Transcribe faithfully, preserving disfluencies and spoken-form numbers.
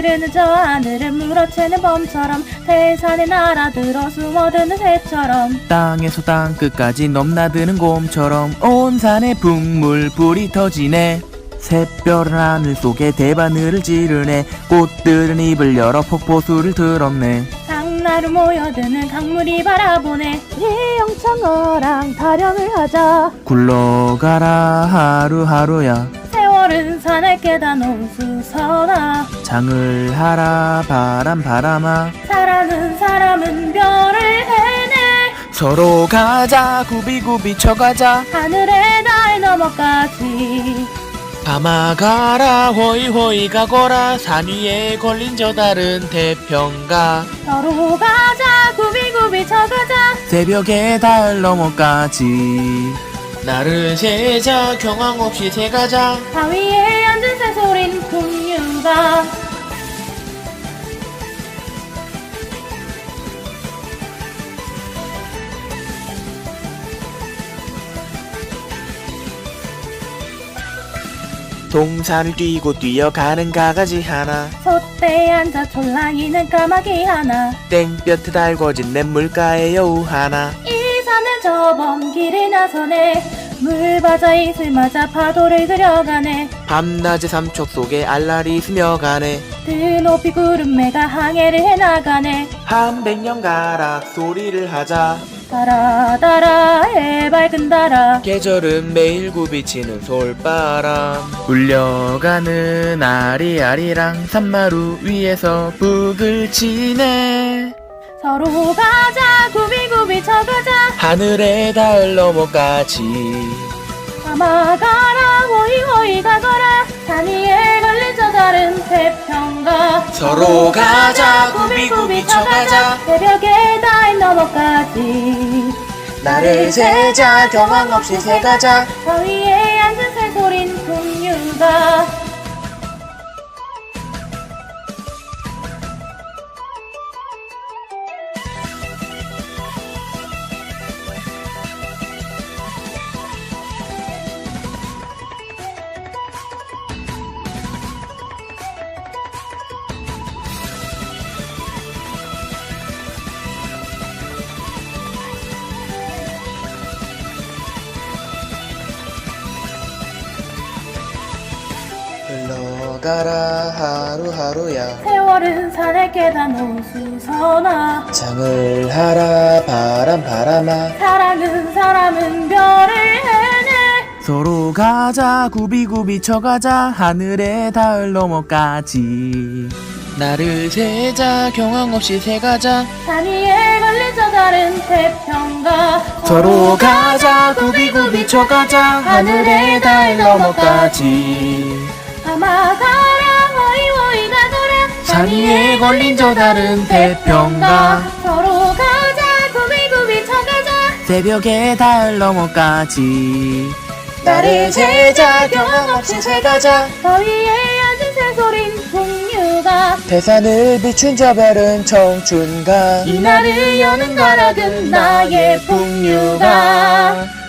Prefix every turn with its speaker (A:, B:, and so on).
A: 흐르는 저 하늘을 물어채는 범처럼 태산에 날아들어 숨어드는 새처럼
B: 땅에서 땅 끝까지 넘나드는 곰처럼 온 산에 풍물 불이 터지네. 샛별은 하늘 속에 대바늘을 찌르네. 꽃들은 입을 열어 폭포수를 들었네.
A: 장나루 모여드는 강물이 바라보네. 우리 영창어랑 타령을 하자.
B: 굴러가라 하루하루야.
A: 세월은 산을 깨다 놓은 수선아.
B: 장을 하라 바람 바람아.
A: 사랑은 사람은 별을 해내.
B: 서로 가자 구비구비 쳐가자.
A: 하늘에 달 넘어까지.
B: 밤아 가라 호이호이 가거라. 산 위에 걸린 저 달은 태평가.
A: 서로 가자 구비구비 쳐가자.
B: 새벽에 달 넘어까지. 나를 세자 경황 없이 새가자.
A: 바위에 앉은 새소린 풍류가.
B: 동산을 뛰고 뛰어가는 가가지 하나.
A: 솥대에 앉아 촐랑이는 까마귀 하나.
B: 땡볕에 달궈진 냇물가에 여우 하나.
A: 이 산은 저 먼 길을 나서네. 물 맞아 이슬 맞아 파도를 그려가네.
B: 밤낮의 삼척 속에 알랄이 스며가네.
A: 드높이 구름매가 항해를 해나가네.
B: 한 백년 가락 소리를 하자.
A: 달아 달아 해밝은 달아.
B: 계절은 매일 굽이치는 솔바람. 울려가는 아리아리랑 산마루 위에서 북을 치네.
A: 서로 가자 구비구비 쳐가자.
B: 하늘에 달 넘어까지.
A: 감아가라 호이호이 가거라. 산 위에 걸린 저 다른 태평가.
B: 서로 가자 구비구비 쳐가자.
A: 새벽에 달 넘어까지.
B: 나를 세자 경황 없이 새가자.
A: 바위에 앉은 새소린 풍류가.
B: 흘러가라 하루하루야.
A: 세월은 산을 깨다 놓은 수선아.
B: 장을 하라 바람 바람아.
A: 사랑은 사람은 별을 해내.
B: 서로 가자 구비구비 쳐가자. 하늘에 달 넘어까지. 나를 세자 경황 없이 새가자.
A: 산 위에 걸린 저 다른 태평가.
B: 서로 가자 구비구비 쳐가자. 하늘에 달 넘어까지.
A: 감아가라 호이호이 가거라.
B: 산 위에 걸린 저 달은 태평가.
A: 서로 가자 구비구비 쳐가자.
B: 새벽에 달 넘어까지. 나를 세자 경황 없이 새가자.
A: 바위에 앉은 새소린 풍류가.
B: 태산을 비춘 저 별은 청춘가.
A: 이날을 여는 가락은 나의 풍류가.